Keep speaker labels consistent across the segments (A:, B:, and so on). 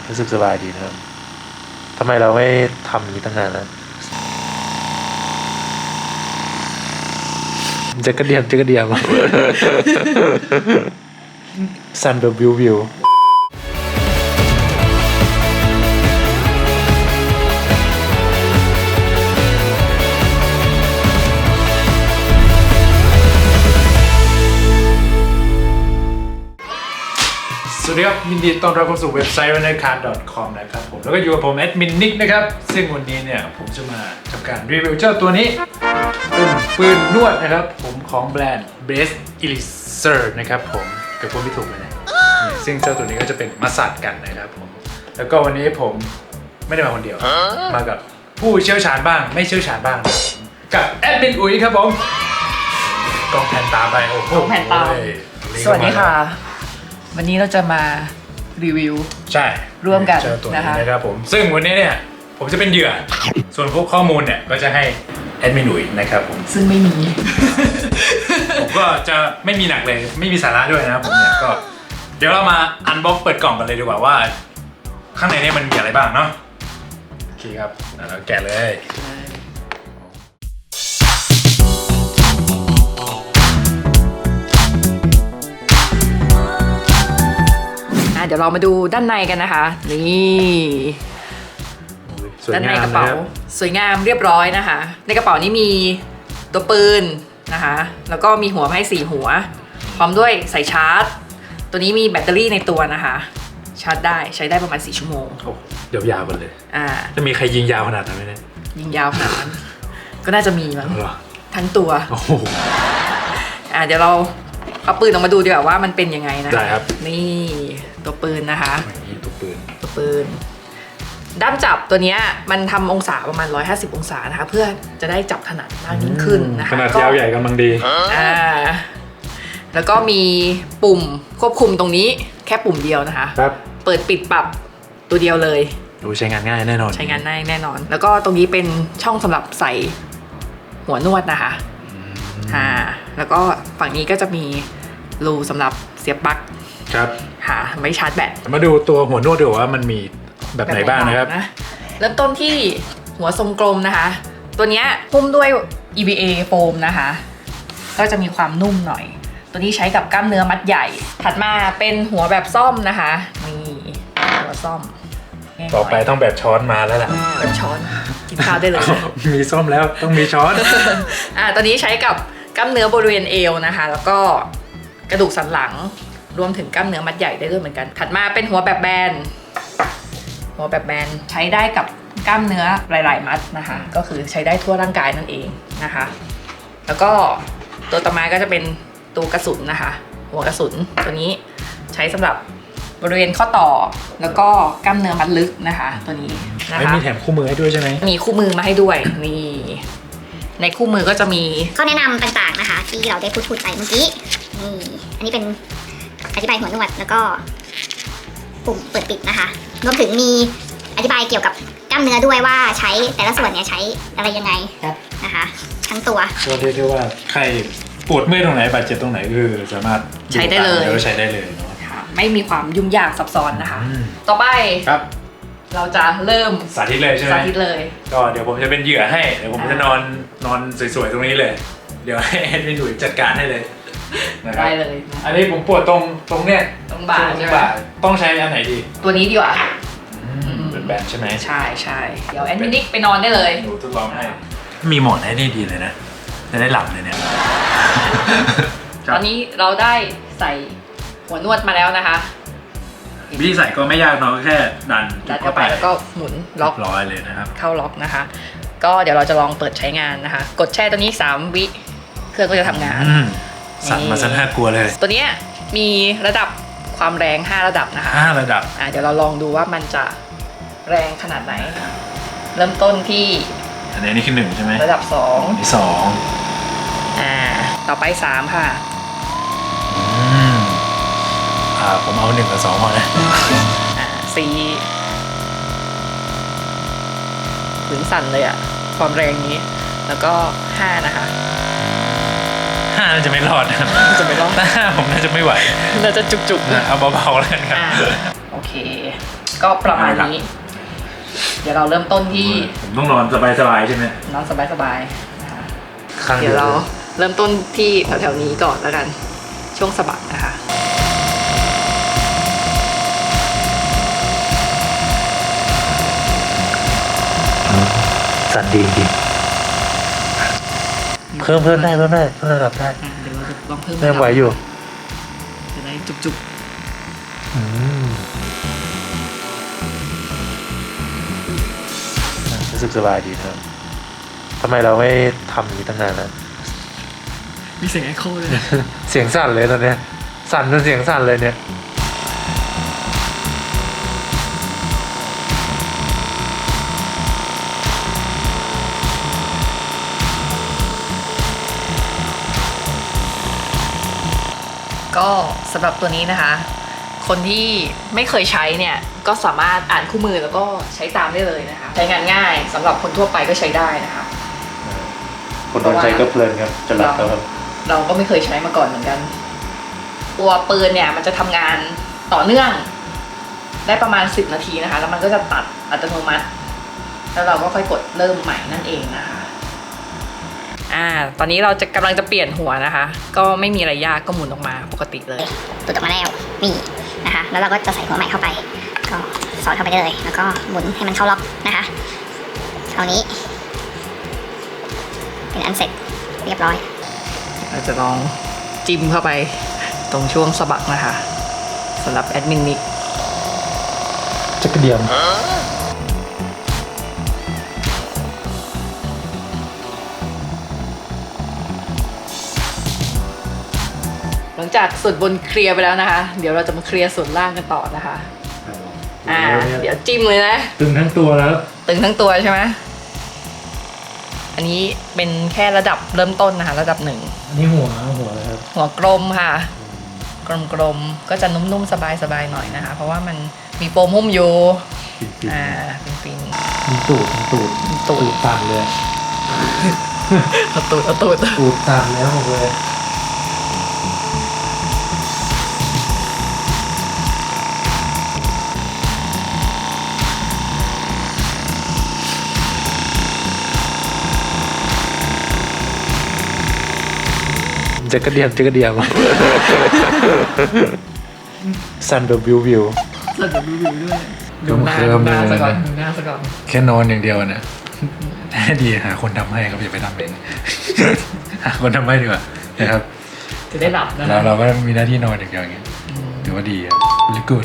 A: รู้สึกสบายดีนะครับทำไมเราไม่ทำอย่างนี้ตั้งนานแล้วจะกระเดียมซันแบบวิวสวัสดีครับยินดีต้อนรับเข้าสู่เว็บไซต์ runnercard.com นะครับผมแล้วก็อยู่กับผมแอดมินนิกนะครับซึ่งวันนี้เนี่ยผมจะมาทำการรีวิวเจ้าตัวนี้เป็นปืนนวดนะครับผมของแบรนด์ Best Elixir นะครับผมกับพูดไม่ถูกเลยนะซึ่งเจ้าตัวนี้ก็จะเป็นมาสัดกันนะครับผมแล้วก็วันนี้ผมไม่ได้มาคนเดียวมากับผู้เชี่ยวชาญบ้างไม่เชี่ยวชาญบ้างกับแอดมินอุ๋ยครับผมกล้องแผ่นตาไปโอ้โห
B: แผ่นตาสวัสดีค่ะวันนี้เราจะมารีวิว
A: ใช่
B: ร่วมกัน
A: ตัวนี้นะครับผมซึ่งวันนี้เนี่ยผมจะเป็นเหยื่อส่วนพวกข้อมูลเนี่ยก็จะให้แอดมินอุ๋ยนะครับผม
B: ซึ่งไม่มี
A: ผมก็จะไม่มีหนักเลยไม่มีสาระด้วยนะครับผมเนี่ยก็เดี๋ยวเรามาอันบ็อกเปิดกล่องกันเลยดีกว่าว่าข้างในนี้มันมีอะไรบ้างเนาะโอเคครับเราแกะเลย
B: เดี๋ยวเรามาดูด้านในกันนะคะนี่ด้านในกระเป๋าสวยงามเรียบร้อยนะคะในกระเป๋านี้มีตัวปืนนะคะแล้วก็มีหัวให้4หัวพร้อมด้วยสายชาร์จตัวนี้มีแบตเตอรี่ในตัวนะคะชาร์จได้ใช้ได้ประมาณ4ชั่วโมง
A: เดี๋ยวยาวกันเลยจะมีใครยิงยาวขนาดนั้นไหมเนี่ย
B: ยิงยาวขนาดนั้นก็น่าจะมีมั้งทั้งตัวเดี๋ยวเราเอาปืนออกมาดูดีกว่าว่ามันเป็นยังไงนะ
A: ได้ครับ
B: นี่ตัวปืนนะคะ
A: นี่ตัว
B: ปืนด้ามจับตัวนี้มันทำองศาประมาณ150องศานะคะเพื่อจะได้จับถนัดมากยิ่งขึ้นนะคะ
A: ขนาดยาวใหญ่กำลังดี
B: แล้วก็มีปุ่มควบคุมตรงนี้แค่ปุ่มเดียวนะคะ
A: ครับ
B: เปิดปิดปรับตัวเดียวเลย
A: ดูใช้งานง่ายแน่นอน
B: ใช้งานง่ายแน่นอนแล้วก็ตรงนี้เป็นช่องสำหรับใส่หัวนวดนะคะแล้วก็ฝั่งนี้ก็จะมีรูสำหรับเสียบปลั๊ก
A: ครับ
B: ไม่ชาร์จแบต
A: มาดูตัวหัวนวดดูว่ามันมีแบบไหนบ้างนะครับ
B: เริ่มต้นที่หัวทรงกลมนะคะตัวนี้หุ้มด้วย EVA โฟมนะคะก็จะมีความนุ่มหน่อยตัวนี้ใช้กับกล้ามเนื้อมัดใหญ่ถัดมาเป็นหัวแบบซ่อมนะคะนี่หัวซ่อม
A: ต่อไปต้องแบบช้อนมาแล้วล่ะ
B: แบบช้อนกินข้าวได้เลย
A: มีซ่อมแล้วต้องมีช้อน
B: ตัวนี้ใช้กับกล้ามเนื้อบริเวณเอวนะคะแล้วก็กระดูกสันหลังรวมถึงกล้ามเนื้อมัดใหญ่ได้ด้วยเหมือนกันถัดมาเป็นหัวแบบแบนใช้ได้กับกล้ามเนื้อหลายๆมัดนะคะก็คือใช้ได้ทั่วร่างกายนั่นเองนะคะแล้วก็ตัวต่อมาก็จะเป็นตัวกระสุนนะคะหัวกระสุนตัวนี้ใช้สำหรับบริเวณข้อต่อแล้วก็กล้ามเนื้อมัดลึกนะคะตัวนี้นะคะ
A: มีแถมคู่มือให้ด้วยใช่ไหม
B: มีคู่มือมาให้ด้วยนี่ในคู่มือก็จะมี
C: ข้อแนะนำต่างๆนะคะที่เราได้พูดไปเมื่อกี้นี่อันนี้เป็นอธิบายหัวนวดแล้วก็ปุ่มเปิดปิดนะคะรวมถึงมีอธิบายเกี่ยวกับกล้ามเนื้อด้วยว่าใช้แต่ละส่วนเนี่ยใช้อะไรยังไงนะคะทั้งตัว
A: ก็เรียกได้ว่าใครปวดเมื่อยตรงไหนบาดเจ็บตรงไหนคือสามารถ
B: ใช้ได้เลย
A: แล้วใช้ได้เลยเนาะ
B: ไม่มีความยุ่งยากซับซ้อนนะคะต่อไป
A: ครับ
B: เราจะเริ่ม
A: สาธิตเลยใช่ไหม
B: สาธิตเลย
A: ก็เดี๋ยวผมจะเป็นเหยื่อให้เดี๋ยวผมจะนอนสวยๆตรงนี้เลยเดี๋ยวให้แอดมินดุยจัดการให้เลย
B: ได้เลย
A: อันนี้ผมปวดตรงเนี้ย
B: ตรงบ่าใช่ไหม
A: ต้องใช้อันไหนดี
B: ตัวนี้ดีกว่า
A: เป็นแบนใช่ไหม
B: ใช่เดี๋ยวแอดมินิกไปนอนได้เลย
A: ดูทดลองให้มีหมอนให้นี่ดีเลยนะจะได้หลับเลยเนี่ย
B: ตอนนี้เราได้ใส่หัวนวดมาแล้วนะคะ
A: วิธีใส่ก็ไม่ยากเนาะแค่ดัน
B: เข้าไปแล้วก็หมุนล็อก
A: ร้อยเลยนะครับ
B: เข้าล็อกนะคะก็เดี๋ยวเราจะลองเปิดใช้งานนะคะกดแช่ตัวนี้3วิเครื่องก็จะทำงาน
A: สั่นมาซะน่ากลัวเลย
B: ตัวนี้มีระดับความแรง5ระดับนะคะ
A: 5ระดับ
B: เดี๋ยวเราลองดูว่ามันจะแรงขนาดไหนเริ่มต้นที่
A: อันนี้คือ1ใช่ไหม
B: ระดับ2
A: ที่
B: 2ต่อไป3ค่ะ
A: ผมเอา1กับ2พอนะ
B: 4ถึงสั่นเลยความแรงนี้แล้วก็5นะคะ
A: น่าจะไม่รอดนะครับ
B: จะไม่รอด
A: ผมน่าจะไม่ไหว
B: น่าจะจุกๆ
A: เอาเบาๆแล้วกันครับ
B: โอเคก็ประมาณนี้ เดี๋ยวเราเริ่มต้นที่
A: ผมต้องนอนสบายๆใช่ไหม
B: นอนสบายๆนะคะ
A: ข้าง
B: เดี๋ยวเราเริ่มต้นที่แถวๆนี้ก่อนแล้วกันช่วงสะบักนะคะ
A: สั่นดีจริงเพิ่มได้เพิ่มระดับได้
B: เดี๋ยวเราจะลองเพิ่ม
A: เริ่มไหวอยู่
B: จะได้จุก
A: รู้สึกสบายดีครับทำไมเราไม่ทำอย่างนี้ตั้งนานแล้ว
B: ๆมีเสียงไอโคเลย
A: เสียงสั่นเลยตอนเนี้ยสั่นจนเสียงสั่นเลยเนี่ย
B: ก็สำหรับตัวนี้นะคะ คนที่ไม่เคยใช้เนี่ยก็สามารถอ่านคู่มือแล้วก็ใช้ตามได้เลยนะคะ ใช้งานง่ายสำหรับคนทั่วไปก็ใช้ได้นะคะ
A: คนโดนใจก็เพลินครับจะหลับแล้วครับ
B: เราก็ไม่เคยใช้มาก่อนเหมือนกัน ตัวปืนเนี่ยมันจะทำงานต่อเนื่องได้ประมาณ10 นาทีนะคะ แล้วมันก็จะตัดอัตโนมัติ แล้วเราก็ค่อยกดเริ่มใหม่นั่นเองนะคะตอนนี้เราจะกำลังจะเปลี่ยนหัวนะคะ ก็ไม่มีอะไรยากก็หมุนออกมาปกติเลย
C: ตุดออกมาแล้วนี่นะคะ แล้วเราก็จะใส่หัวใหม่เข้าไป ก็สอดเข้าไปได้เลย แล้วก็หมุนให้มันเข้าล็อกนะคะคราวนี้เป็นอันเสร็จเรียบร้อย
B: เราจะลองจิ้มเข้าไปตรงช่วงสะบักนะคะสำหรับแอดมินนิก
A: จักรเดียม
B: หลังจากส่วนบนเคลียร์ไปแล้วนะคะ เดี๋ยวเราจะมาเคลียร์ส่วนล่างกันต่อนะคะเดี๋ยวจิ้มเลยนะ
A: ตึงทั้งตัวแล้ว
B: ตึงทั้งตัวใช่ไหมอันนี้เป็นแค่ระดับเริ่มต้นนะคะระดับ 1
A: อันนี้หัวเลยครับ
B: หัวกลมค่ะกลมๆก็จะนุ่มๆสบายๆหน่อยนะคะ เพราะว่ามันมีโฟมหุ้มอยู่ฟิน
A: มีตูด
B: ตูด
A: ตามเลย
B: ๆเอาตูด
A: ตูดตามแล้วหมดเลย จักรเดียมซันแบบวิว
B: เราจะดูด้วย
A: ดูหน้าซะก่อน
B: ดูหน้าซะก่อน
A: แค่นอนอย่างเดียวนะดีหาคนทำให้ครับอย่าไปทำเองหาคนทำให้ดีกว่านะครับ
B: จะได้หลับนะ
A: เราก็มีหน้าที่นอนอย่างเดียวอย่างเงี้ยถือว่าดีครับ really good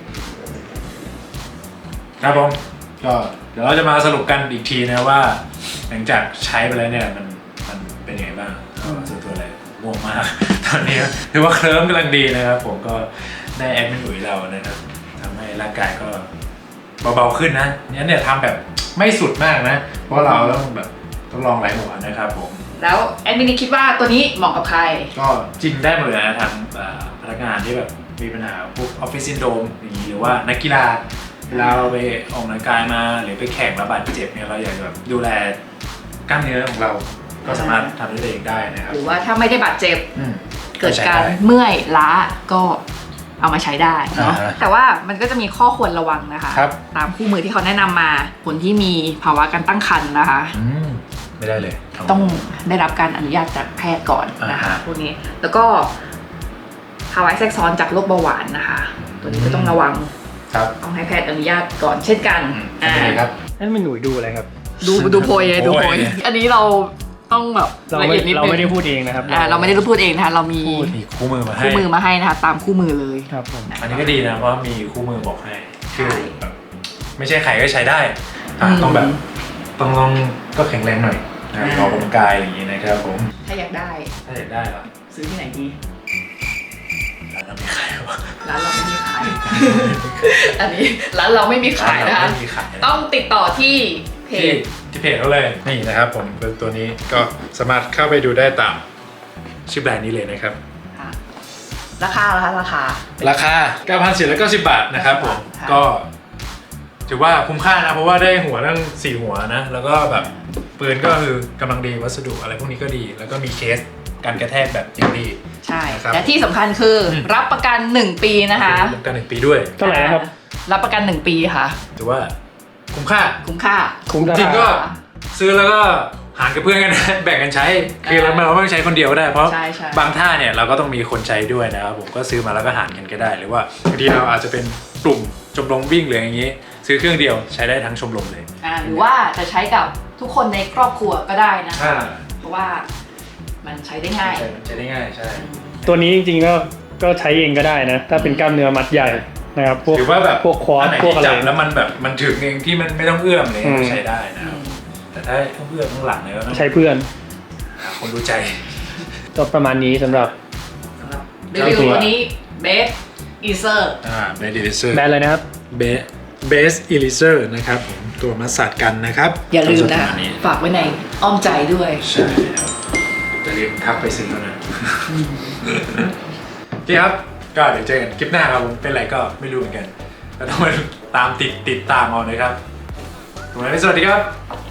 A: ครับผมก็เดี๋ยวเราจะมาสรุปกันอีกทีนะว่า หลังจากใช้ไปแล้วเนี่ยมันเป็นยังไงบ้างส่วนตัวอะไรง่วงมากตอนนี้ถือว่าเคลิ้มกำลังดีนะครับผมก็ได้แอดมินอุ๋ยเรานะครับทำให้ร่างกายก็เบาๆขึ้นนะเนี่ยทำแบบไม่สุดมากนะเพราะเราต้องลองหลายหัวนะครับผม
B: แล้วแอดมินคิดว่าตัวนี้เหมาะกับใคร
A: ก็จริงได้หมดเลยนะทั้งพนักงานที่แบบมีปัญหาพวกออฟฟิศซินโดรมอย่างนี้หรือว่านักกีฬาเวลาเราไปออกกำลังกายมาหรือไปแข่งแล้วบาดเจ็บเนี่ยเราอยากจะแบบดูแลกล้ามเนื้อของเราก็สามารถทำได้เองได้นะครับ
B: หรือว่าถ้าไม่ได้บาดเจ็บ เกิด
A: ใช้
B: การ
A: ได้
B: เมื่อยล้าก็เอามาใช้ได้เนาะ
A: อ่าฮะ
B: แต่ว่ามันก็จะมีข้อควรระวังนะคะ
A: ครับ
B: ตามคู่มือที่เขาแนะนำมาคนที่มีภาวะการตั้งครรภ์นะคะ
A: ไม่ได้เลย
B: ต้องได้รับการอนุญาตจากแพทย์ก่อนนะคะ
A: อ่าฮะ
B: พวกนี้แล้วก็ภาวะแทรกซ้อนจากโรคเบาหวานนะคะ ตัวนี้ก็ต้องระวัง
A: ครับ
B: ต้องให้แพทย์อนุญาตก่อนเช่นกัน
A: ทำยังไงครับ
D: นั่นเป็นหนูดูอะไรครับ
B: ดูโพยเลยดูโพย
A: โพย
B: อันนี้เราต้องแบบ
D: เรา
B: ละ
D: ไม่
B: เอียดนิด
D: เรา
B: นึง
D: ไม่ได้พูดเองนะครับ
B: เราไม่ได้พูดเองนะคะเรามี
A: มีคู่มือมาให้
B: คู่มือมาให้นะคะตามคู่มือเลย
D: ครับผม
A: อันนี้ก็ดีนะเพราะมีคู่มือบอกให้
B: ใช่
A: คือแบบไม่ใช่ใครก็ใช้ได้ต้องแบบต้องลองก็แข็งแรงหน่อยนะครับออกกำลังกายอย่างนี้นะครับผม
B: ถ้าอยากได้
A: ถ้าอยากได้เหรอ
B: ซื้อที่ไหนดี
A: ร้านเราไม่ขายวะ
B: ร้านเราไม่มีขาย อันนี้ร้านเราไม่มีขายนะคะ
A: ไม่มีขายนะ
B: ต้องติดต่อที่เพจ
A: ที่เพจเขาเลยนี่นะครับผมตัวนี้ก็สามารถเข้าไปดูได้ตามชื่อแบรนด์นี้เลยนะครับ
B: ค่ะราคาราคา
A: ราคา 9,490 บาทนะครับผม
B: ค่ะ
A: ก็ถือว่าคุ้มค่านะเพราะว่าได้หัวตั้ง4หัวนะแล้วก็แบบปืนก็คือกำลังดีวัสดุอะไรพวกนี้ก็ดี แล้วก็มีเคสการกระแทกแบบอย่างดี
B: ใช่
A: นะครับ
B: และที่สำคัญคือรับประกัน1 ปีนะคะ
A: รับประกัน1 ปีด้วย
D: เท่าไหร่นะครับ
B: รับประกัน 1 ปีค่ะ
A: ถือว่าคุ้มค่า
B: คุ้มค่า
D: คุ้มรา
A: จริง
D: คา
A: ก็ซื้อแล้วก็หารกับเพื่อนกันนะ แบ่งกันใช้ คือเราไม่ต้องใช้คนเดียวก็ได้ เพราะ
B: ใช่ใช่
A: บางท่าเนี่ยเราก็ต้องมีคนใช้ด้วยนะครับผมก็ซื้อมาแล้วก็หารกันก็ได้ หรือว่าบางทีเราอาจจะเป็นกลุ่มชมรมวิ่งหรืออย่างนี้ ซื้อเครื่องเดียวใช้ได้ทั้งชมรมเลย
B: หรือว่าจะใช้กับทุกคนในครอบครัวก็ได้นะคะ
A: อ่า
B: เพราะว่ามันใช้ได้ง่าย
A: ใช้ได้ง่ายใช่
D: ตัวนี้จริงๆก็ใช้เองก็ได้นะ ถ้าเป็นกล้ามเนื้อมัดใหญ่นะครับพวก
A: หรือว่าแบบ
D: พวกควอด
A: นไหน
D: พวก
A: ที่
D: อะไร
A: จับแล้วมันแบบมันถึงเองที่มันไม่ต้องเอื้อมเลย
D: อืม
A: ใช้ได้นะครับแต่ถ้าต้องเอื้อมข้างหลังเนี่ยก็ต้อง
D: ใช้เพื่อน
A: หาคนรู้ใจ
D: ก็ประมาณนี้สำหรับ
B: สำหรับรีวิวตัวนี้เบสอีเซอร์
A: เบสอิลิเซอร์
D: แบรนด์อะไรนะครับ
A: เบสอิลิเซอร์นะครับผมตัวมัสสัดกันนะครับ
B: อย่าลืมนะ
A: ประาณนี้
B: ฝากไว้ในอ้อมใจด้วย
A: ใช่ครับจะรีบทักไปซื้อแล้วนะโอเคครับก็เดี๋ยวเจอกันคลิปหน้าครับผมเป็นไรก็ไม่รู้เหมือนกันแล้วต้องมาตามติดตามเอานะครับสวัสดีครับ